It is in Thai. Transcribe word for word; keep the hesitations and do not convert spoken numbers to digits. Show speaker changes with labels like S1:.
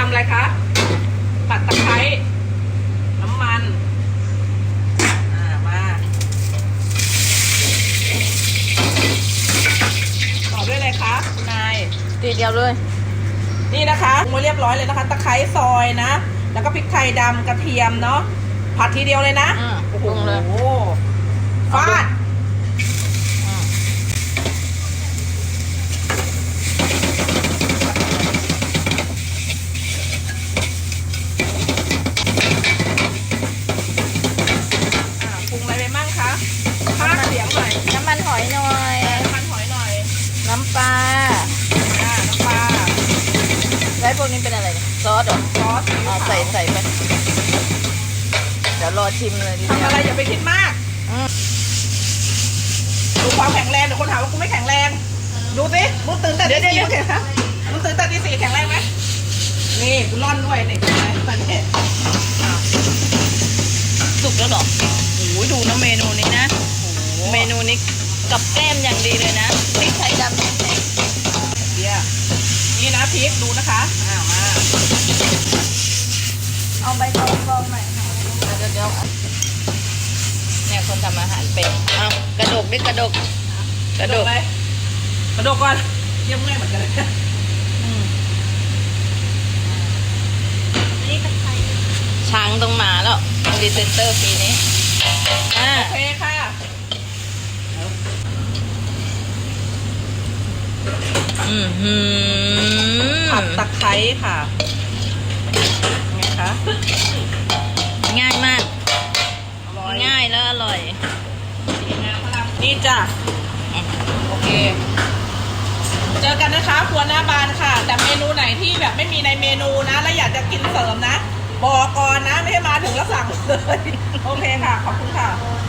S1: ำอะไรคะปัดตะไคร้น้ำมันอ่ามาต่อด้วยอะไรคะคุณนาย
S2: ทีเดียวเลย
S1: นี่นะคะปรุงมาเรียบร้อยเลยนะคะตะไคร้ซอยนะแล้วก็พริกไทยดำกระเทียมเนาะผัดทีเดียวเลยนะ
S2: โอ้โห
S1: ฟาดปรุงอะไรไปมั่งคะพากเสียงหน่อย
S2: น้ำมันหอยหน่อย
S1: น้ำมันหอยหน่อย
S2: น้ำปลา
S1: อ่าน้ำปลา
S2: แล้วพวกนี้เป็นอะไรเนี่ยซอสเหรอ
S1: ซอส
S2: อ๋อใส่ใส่ไปเดี๋ยวรอชิมเลยดิ
S1: ทำอะไรอย่าไปคิดมากดูความแข็งแรงเดี๋ยวคนถามว่ากูไม่แข็งแรงดูสิมึงตื่นแต่ตีสี่มึงเห็นไหมมึงตื่นแต่ตีสี่แข็งแรงไหมนี่กูร่อนด้วยเนี่ยตอนนี้
S2: สุกแล้วหรอโอ้ยดูนะเมนูนี้นะเมนูนี้กับแก้มอย่างดีเลยนะพริกไทยดำแห้ง
S1: เดี๋ยวนี่นะพริกดูนะคะอ่ามา
S2: เอาใบตองฟองหน่อยเดี๋ยวเดี๋ยวเนี่ยคนทำอาหารเป็นเอากระดกดิกระดก
S1: กระดกเลยกระดกก่อนเยี่ยมง่ายเหมือนกันเลย
S2: นี่กระไทยช้างต้องมาแล้วดีเซนเตอร์ปีนี้
S1: โอเคค่ะ
S2: อืมหืม
S1: ผัดตะไคร้ค่ะไงคะ
S2: ง่ายมากง่ายแล้วอร่อย
S1: นี่จ้ะโอเคเจอกันนะคะครัวหน้าบานค่ะแต่เมนูไหนที่แบบไม่มีในเมนูนะแล้วอยากจะกินเสริมนะบอกก่อนนะไม่ให้มาถึงแล้วสั่งเลยโอเคค่ะขอบคุณค่ะ